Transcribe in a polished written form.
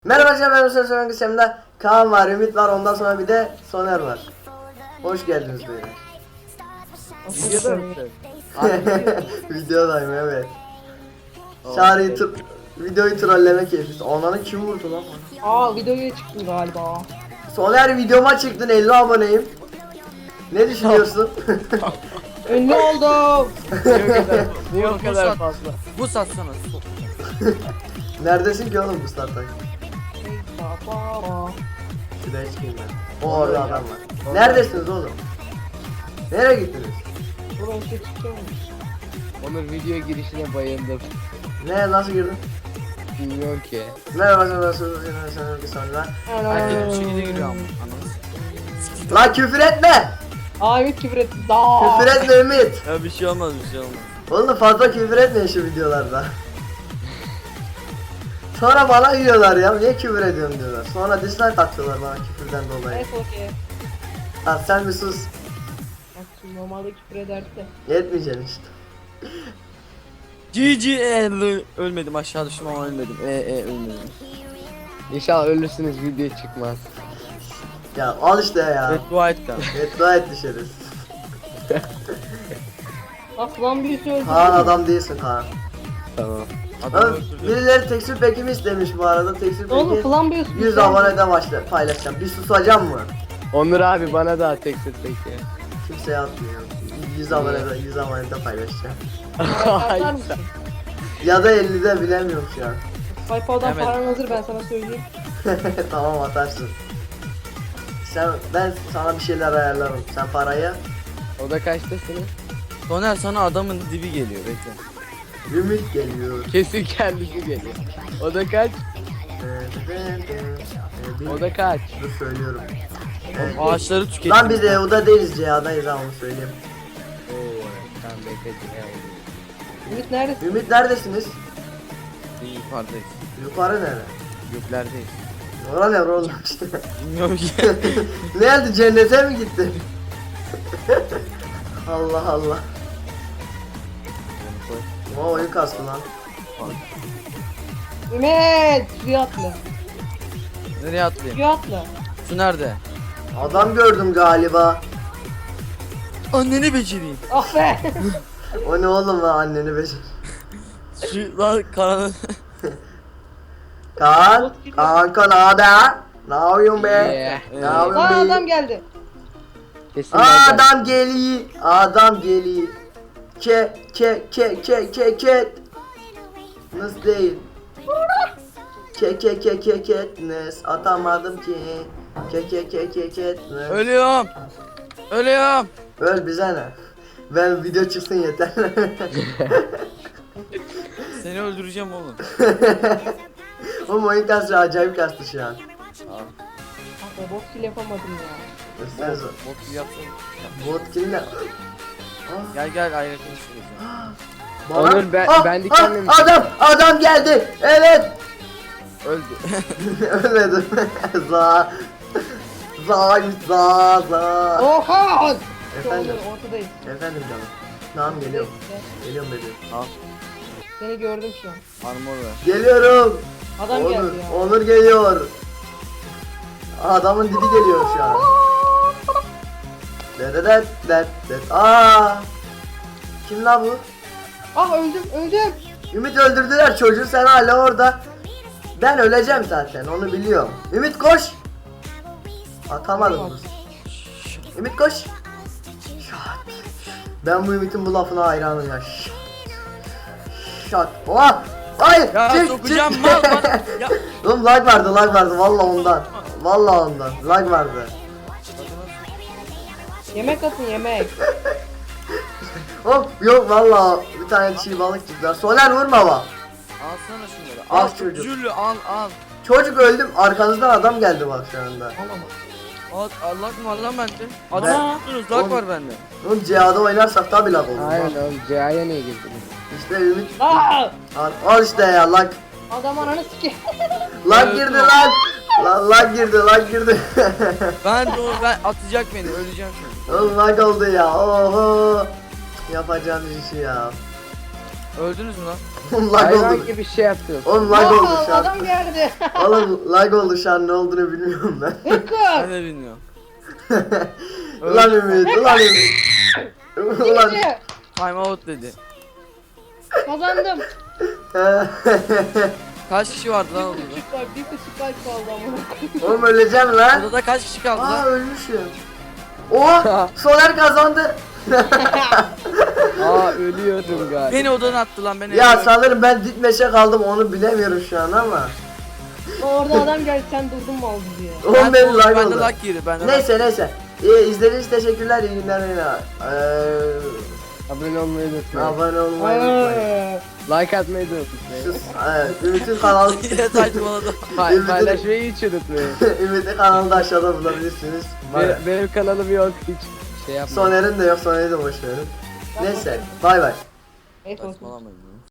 Merhaba arkadaşlar, ben Hüseyin Sönen Kısem'de Kaan var, Ümit var, ondan sonra bir de Soner var. Hoş geldiniz beyler. Videoda mısın? Videodayım, evet. Çağrı'yı videoyu trolleme keyfi. Ananı kim vurdu lan bana? Aa videoya çıktım galiba. Soner, videoma çıktın, 50 aboneyim. Ne düşünüyorsun? Ünlü oldum. Niye o kadar fazla? Bu satsana. Neredesin ki oğlum bu startta? Şuraya çıkayım ben. O orada adam var. Neredesiniz oğlum? Nereye gittiniz? Burası çıkıyormuş. Onur video girişine bayıldım. Ne, nasıl girdin? Bilmiyorum ki. Merhaba, nasılsınız? Bir sonra. Herkes bir şekilde giriyor ama. Anladın. Lan küfür etme! Aa Ümit küfür etti. Daa. Küfür etme Ümit! Ya bir şey olmaz, bir şey olmaz. Oğlum fazla küfür etmeyin şu videolarda. Sonra bana yiyorlar ya, niye küfür ediyorsun diyorlar. Sonra dislike atıyorlar bana küfürden dolayı. Evet okey. Lan sen bir sus. Bak şimdi normalde küfür ederdi de. Yetmeyeceksin işte. Ölmedim, aşağı düştüm ama ölmedim. Ölmedim. İnşallah ölürsünüz video çıkmaz. Ya al işte ya. Evet, dua et kan. Beddua et düşeriz. Aslan birisi öldü. Kaan adam değilsin Kaan. Tamam. Adam Oğlum, öldürdü. birileri tekstür pekimi istemiş bu arada. Tekstür Oğlum peki falan bir 100 abonede paylaşacağım. Bir susacağım mı? Onur abi bana da tekstil peki. Kimseye atmıyor. 100 abonede paylaşacağım. Atar mısın? Ya da 50'de bilemiyorum şu an. Sayfadan Evet. paran hazır ben sana söyleyeyim. Tamam, atarsın. Ben sana bir şeyler ayarlarım. Sen parayı. O da kaçtasınız? Soner, sana adamın dibi geliyor, bekle. Ümit geliyor. Kesin kendisi geliyor. O da kaç? O da kaç? Dur söylüyorum. Ağaçları tüketin. Lan biz EU'da değiliz, CA'dayız ha, onu söyleyeyim. Oo, sen bekle. Ümit neredesin? Ümit neredesiniz? Yukarıdayız. Yukarı nere? Göklerdeyiz. Ora ne oğlum işte. Bilmiyorum ki. Nerede, cennete mi gitti? Allah Allah. O oyun kastı lan. Ümit! Suya atla. Nereye atlayayım? Suya atla. Su nerede? Adam gördüm galiba. Anneni becereyim. Ah be! O ne oğlum lan, anneni becer. Şu lan karanı. Kaan, kanka naber? Ne yapıyorsun be? Yeah. Ne yapıyorsun Aa be? adam geldi. Kesin ben de- Adam geliyor, adam geliyor. Ket. Nasıl değil? Ketness atamadım ki. Ketness. Ölüyorum. Öl bize ne? Ben video çıksın yeter. Seni öldüreceğim oğlum. Oğlum oyun kastı, acayip kastı şu an. Ah be bok kill yapamadım ya. Sen zor. Bot gibi yapsana. Bot kimle? Gel ayrı konuşuruz. Onur, ben dikenli mi? Adam geldi. Evet. Öldü. Ölmedim. za. Oha! Efendim. Ortadayım. Efendim canım. Tamam, geliyorum. Neyse, Geliyorum bebeğim. Al. seni gördüm şu an. Armor ver. Geliyorum. Adam Onur, geldi ya. Onur geliyor. Adamın dibi geliyor şu an. Dededet. Aa! Kim la bu? Ah öldüm. Ümit öldürdüler çocuğu, sen hala orada. Ben öleceğim zaten, onu biliyorum. Ümit koş. Atamadım kız. Ümit koş. Şat. Ben bu Ümit'in bu lafına hayranım ya. Şat. Oha! Hayır! Ya sokacağım mal bana. Ya. Oğlum lag vardı vallahi ondan. Vallahi ondan. Lag vardı. Yemek atın yemek. Hop yok vallahi bir tane çiğ balık çıktılar. Soner vurma bak. Alsana şunları. Al Al çocuk. Jüllü al. Çocuk öldüm, arkanızdan adam geldi bak şu anda. Alamam. Allah mı var lan bende? Aa. Adam tuttunuz, lag var bende. Oğlum CA'da oynarsak tabi lag olur. Aynen Bak. oğlum C'ye niye girdiniz? İşte Ümit. Aa! Al işte ya lag. Adam ananı sike. Lag girdi lan. Lag girdi. Ben atacak beni, öleceğim şimdi. Oğlum lag oldu ya. Oho. Yapacağım işi ya. Öldünüz mü lan? Oğlum lag Hayvan oldu. gibi şey yapıyorsun. Oğlum lag oldu şu an. Adam geldi. Oğlum lag oldu şu an, ne olduğunu bilmiyorum ben. Ben Hıkkı. de bilmiyorum. Ulan Ümit, ulan Ümit. Ulan. Gitti. Time out dedi. Kazandım. Kaç kişi vardı lan odada? Küçük var. Bir küçük kalp kaldı ama. Oğlum öleceğim lan. Odada kaç kişi kaldı Aa lan? ölmüşüm. Oo, Soner kazandı. Aa ölüyordum galiba. Beni odadan attı lan beni. Ya sanırım ben dipmeşe kaldım, onu bilemiyorum şu an ama. Orada adam geldi sen durdun mu aldı diye. Oğlum benim lag Bende oldu. lag girdi. Bende lag. Neyse. İzlediğiniz için teşekkürler, iyi günler beyler. Abone olmayı unutmayın. Abone olmayı unutmayın. Like atmayı da unutmayın. Sus, evet, Ümit'in kanalı Yine saçmaladım. Paylaşmayı hiç unutmayın. Ümit'in kanalını da aşağıda bulabilirsiniz. Benim kanalım yok hiç şey yapmayın. Soner'in de yok, Soner'i de boş verin. Neyse, bay bay. Neyse olsun. Saçmalamayın.